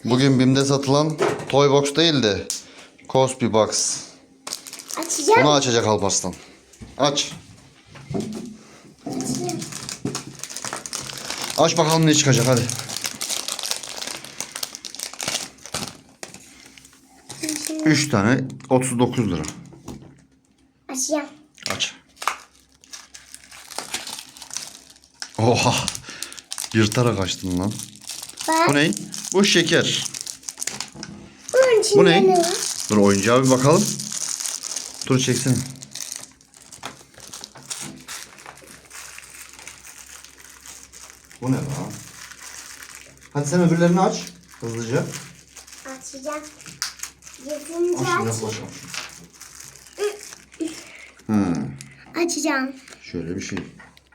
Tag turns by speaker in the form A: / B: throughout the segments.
A: Bugün BİM'de satılan Toy Box değil de Cosby Box.
B: Açacağım.
A: Bunu açacak Alparslan. Aç.
B: Açacağım.
A: Aç bakalım ne çıkacak hadi.
B: Şimdi
A: 3 tane 39 lira.
B: açacağım.
A: Aç. Oha. Yırtarak açtın lan.
B: Bak.
A: Bu ne? Bu şeker.
B: Bunun içinde
A: Bu ne?
B: ne var?
A: Dur oyuncağa bir bakalım. Dur çeksene. Bu ne lan? Hadi sen öbürlerini aç. Hızlıca.
B: Açacağım. Yetince
A: Aç
B: aç.
A: yaklaşalım. Ha,
B: Açacağım.
A: şöyle bir şey.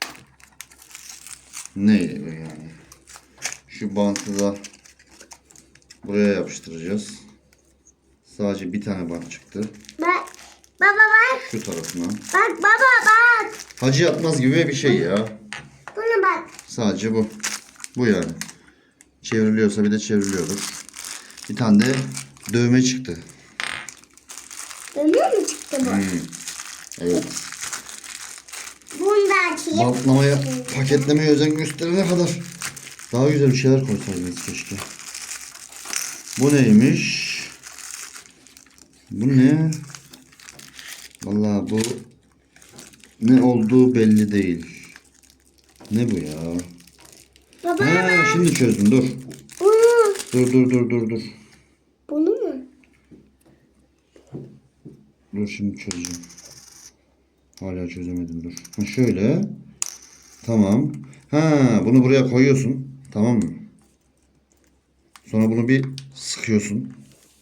A: Ne yani? Şu bantı da buraya yapıştıracağız. Sadece bir tane bant çıktı.
B: Bak. Baba bak.
A: Şu tarafına.
B: Bak baba bak.
A: Hacı yatmaz gibi bir şey ya.
B: Buna bak.
A: Sadece bu. Bu yani. Çevriliyorsa bir de çevriliyordur. Bir tane de dövme çıktı.
B: Dönüyor mu çıktı bu?
A: Evet.
B: Bunu da açayım.
A: Bantlamaya, paketlemeye özen gösterene kadar daha güzel bir şeyler koysaydınız keşke. Bu neymiş? Bu ne? Vallahi bu ne olduğu belli değil. Ne bu ya?
B: Baba
A: Ha,
B: bak.
A: şimdi çözdüm dur.
B: Bunu.
A: Dur.
B: Bunu mu?
A: Dur şimdi çözeceğim. Hala çözemedim dur. Ha şöyle. Tamam. Ha bunu buraya koyuyorsun. Tamam mı? Sonra bunu bir sıkıyorsun.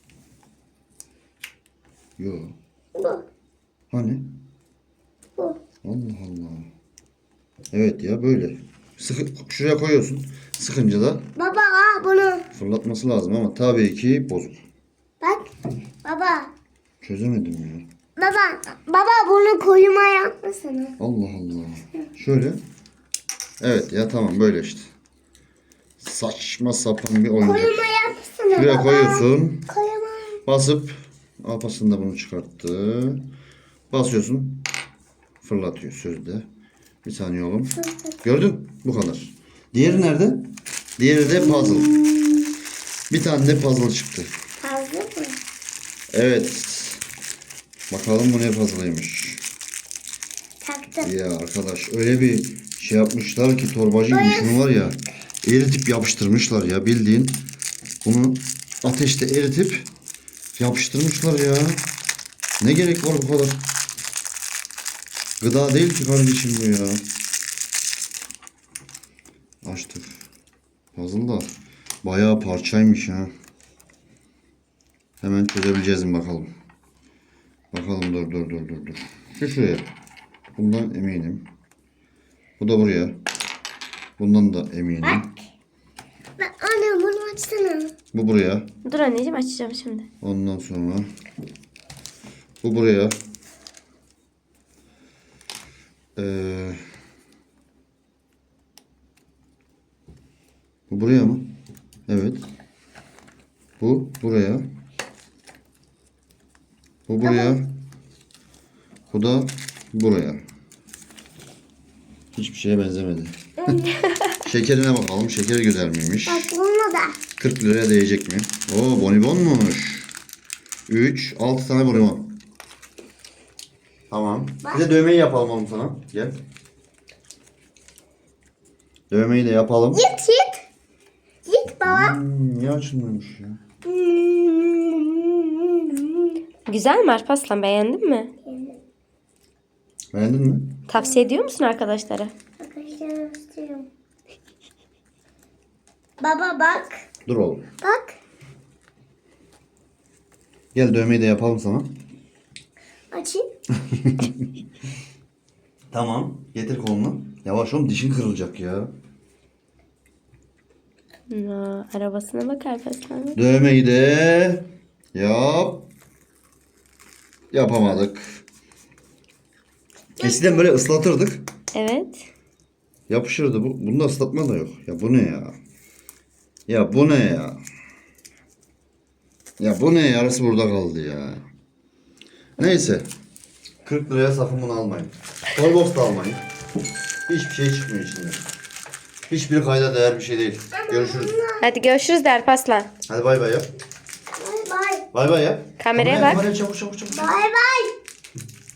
A: Yo.
B: Bu.
A: Hani?
B: Bu.
A: Allah Allah. Evet ya böyle. Şuraya koyuyorsun. Sıkınca da
B: Baba al bunu.
A: fırlatması lazım ama tabii ki bozuk.
B: Bak. Baba.
A: Çözemedim ya.
B: Baba bunu koyuma yapmasana.
A: Allah Allah. Şöyle. Evet ya tamam böyle işte. Saçma sapan bir oyuncak.
B: Koyuma yapsana
A: Şuraya
B: baba.
A: koyuyorsun.
B: Koyuma.
A: Basıp Alparslan da bunu çıkarttı. Basıyorsun. Fırlatıyor sözde. Bir saniye oğlum. Gördün? Bu kadar. Diğeri nerede? Diğeri de puzzle. Bir tane de puzzle çıktı.
B: Fazla mı?
A: Evet. Bakalım bu ne puzzle'ıymış.
B: Taktım.
A: Ya arkadaş öyle bir şey yapmışlar ki torbacı gibi şunu var ya eritip yapıştırmışlar ya bildiğin bunu ateşte eritip yapıştırmışlar ya. Ne gerek var bu kadar? Gıda değil ki kardeşim bu ya. Açtık. Puzzle da bayağı parçaymış ha. Hemen çözebileceğiz mi bakalım. Bakalım dur. Şu şuraya. Bundan eminim. Bu da buraya. Bundan da eminim.
B: Bak anne bunu açsana.
A: Bu buraya.
C: Dur anneciğim açacağım şimdi.
A: Ondan sonra bu buraya. Bu buraya mı? Evet. Bu buraya. Bu buraya. Bu da buraya. Hiçbir şeye benzemedi. Şekerine bakalım. Şekeri güzel miymiş?
B: Bak bunu da.
A: 40 liraya değecek mi? Oo bonibonmuş. 3, 6 tane bonibon. Tamam. Bir de dövmeyi yapalım oğlum sana. Gel. Dövmeyi de yapalım.
B: Git. Git baba.
A: Niye açılmıyormuş ya?
C: Güzel mi Alparslan, beğendin mi?
A: Beğendin mi?
C: Tavsiye ediyor musun arkadaşlara?
B: Arkadaşlar istiyorum. Baba bak.
A: Dur oğlum.
B: Bak.
A: Gel dövmeyi de yapalım sana.
B: Açayım.
A: Tamam. Getir kolunu. Yavaş oğlum dişin kırılacak ya.
C: Arabasına bak Alparslan.
A: Dövmeyi de yapamadık. Eskiden böyle ıslatırdık.
C: Evet.
A: Yapışırdı bu. Bunda ıslatma da yok. Ya bu ne ya? Ya bu ne ya? Ya bu ne? Yarısı burada kaldı ya. Neyse. 40 liraya sakın bunu almayın. Toybox da almayın. Hiçbir şey çıkmıyor içinden. Hiçbir kayda değer bir şey değil. Görüşürüz.
C: Hadi görüşürüz de Alparslan.
A: Hadi bay bay yap.
B: Bay bay.
A: Bay bay yap.
C: Kameraya bak.
A: Kameraya çabuk çabuk çabuk.
B: Bay bay.